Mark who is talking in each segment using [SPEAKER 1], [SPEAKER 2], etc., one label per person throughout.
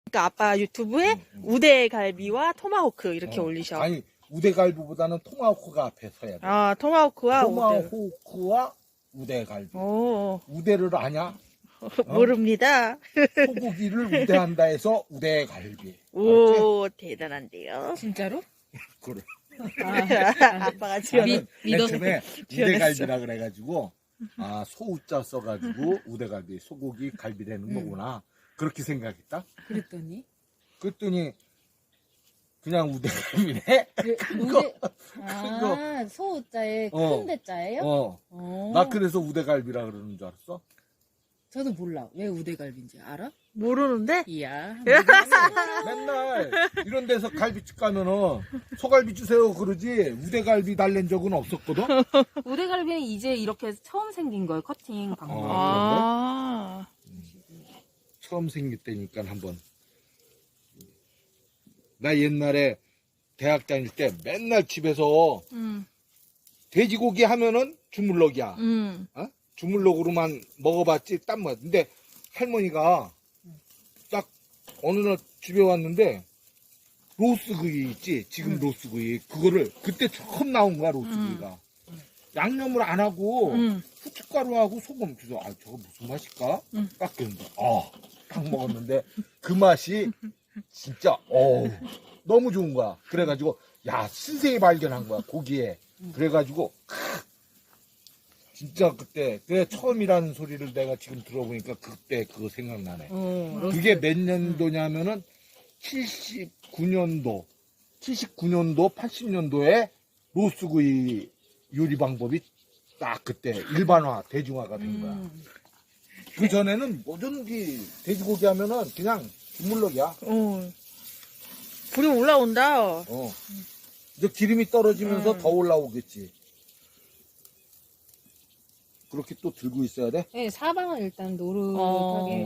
[SPEAKER 1] 그러니까 아빠 유튜브에 우대갈비와 토마호크 이렇게 올리셔.
[SPEAKER 2] 아니, 우대갈비보다는 토마호크가 앞에 서야 돼.
[SPEAKER 1] 아, 토마호크와 우대.
[SPEAKER 2] 토마호크와 우대갈비.
[SPEAKER 1] 오,
[SPEAKER 2] 우대를 아냐?
[SPEAKER 1] 모릅니다.
[SPEAKER 2] 소고기를 우대한다 해서 우대갈비.
[SPEAKER 1] 오, 대단한데요.
[SPEAKER 3] 진짜로?
[SPEAKER 2] 그래.
[SPEAKER 1] 아빠가 지어낸.
[SPEAKER 2] 맨 처음에 우대갈비라 그래가지고, 아, 소우자 써가지고 우대갈비, 소고기 갈비라는 거구나. 그렇게 생각했다? 그랬더니, 그냥 우대갈비네?
[SPEAKER 3] 소자에
[SPEAKER 2] 어.
[SPEAKER 3] 큰 대자예요?
[SPEAKER 2] 나 그래서 우대갈비라 그러는 줄 알았어?
[SPEAKER 3] 저도 몰라. 왜 우대갈비인지 알아?
[SPEAKER 1] 모르는데?
[SPEAKER 3] 이야.
[SPEAKER 2] 맨날 이런 데서 갈비집 가면은 소갈비 주세요 그러지 우대갈비 달랜 적은 없었거든?
[SPEAKER 4] 우대갈비는 이제 이렇게 처음 생긴 거예요. 커팅 방법.
[SPEAKER 1] 아,
[SPEAKER 2] 처음 생길 때니까 한번. 나 옛날에 대학 다닐 때 맨날 집에서 돼지고기 하면은 주물럭이야. 주물럭으로만 먹어봤지 딴 맛. 근데 할머니가 딱 어느 날 집에 왔는데 로스구이 있지 지금 로스구이 그거를 그때 처음 나온 거야 로스구이가. 양념을 안 하고 후춧가루하고 소금 그래서 아 저거 무슨 맛일까? 딱 그랬는데 딱 먹었는데 그 맛이 진짜 너무 좋은 거야. 그래가지고 야 신세계 발견한 거야 고기에. 그래가지고 진짜 그때 처음이라는 소리를 내가 지금 들어보니까 그때 그거 생각나네. 그게 몇 년도냐면은 79년도, 80년도에 로스구이 요리 방법이 딱 그때 일반화, 대중화가 된 거야. 그 전에는 뭐든지 돼지고기 하면은 그냥 주물럭이야.
[SPEAKER 1] 불이 올라온다.
[SPEAKER 2] 이제 기름이 떨어지면서 더 올라오겠지. 그렇게 또 들고 있어야 돼?
[SPEAKER 3] 네, 사방을 일단 노릇하게.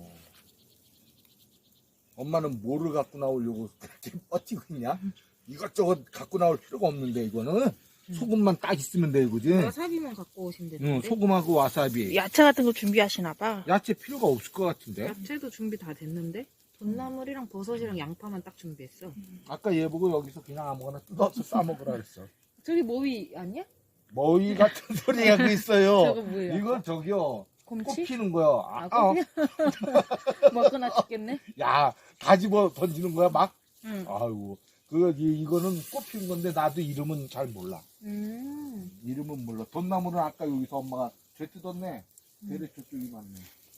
[SPEAKER 2] 엄마는 뭐를 갖고 나오려고 그렇게 버티고 있냐? 이것저것 갖고 나올 필요가 없는데 이거는 소금만 딱 있으면 돼 이거지.
[SPEAKER 3] 와사비만 갖고 오시면 되는데.
[SPEAKER 2] 소금하고 와사비.
[SPEAKER 1] 야채 같은 거 준비하시나 봐.
[SPEAKER 2] 야채 필요가 없을 것 같은데.
[SPEAKER 3] 야채도 준비 다 됐는데? 돈나물이랑 버섯이랑 양파만 딱 준비했어.
[SPEAKER 2] 아까 얘 보고 여기서 그냥 아무거나 뜯어서 싸먹으라 그랬어.
[SPEAKER 3] 저기 모이 아니야?
[SPEAKER 2] 머위 같은 소리 하고 있어요.
[SPEAKER 3] 저거 뭐예요?
[SPEAKER 2] 이건 저기요.
[SPEAKER 3] 곰치?
[SPEAKER 2] 꼽히는 거야.
[SPEAKER 3] 꼽히는? 먹거나 죽겠네?
[SPEAKER 2] 야, 다 집어 던지는 거야, 막?
[SPEAKER 3] 응.
[SPEAKER 2] 아이고. 이거는 꼽히는 건데, 나도 이름은 잘 몰라. 이름은 몰라. 돈나물은 아까 여기서 엄마가 죄 뜯었네. 대래 저쪽이 맞네.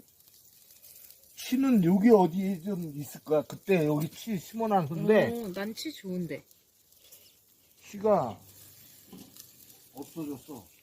[SPEAKER 2] 치는 여기 어디에 좀 있을 거야. 그때 여기 치 심어놨는데,
[SPEAKER 3] 난치 좋은데.
[SPEAKER 2] 치가 없어졌어.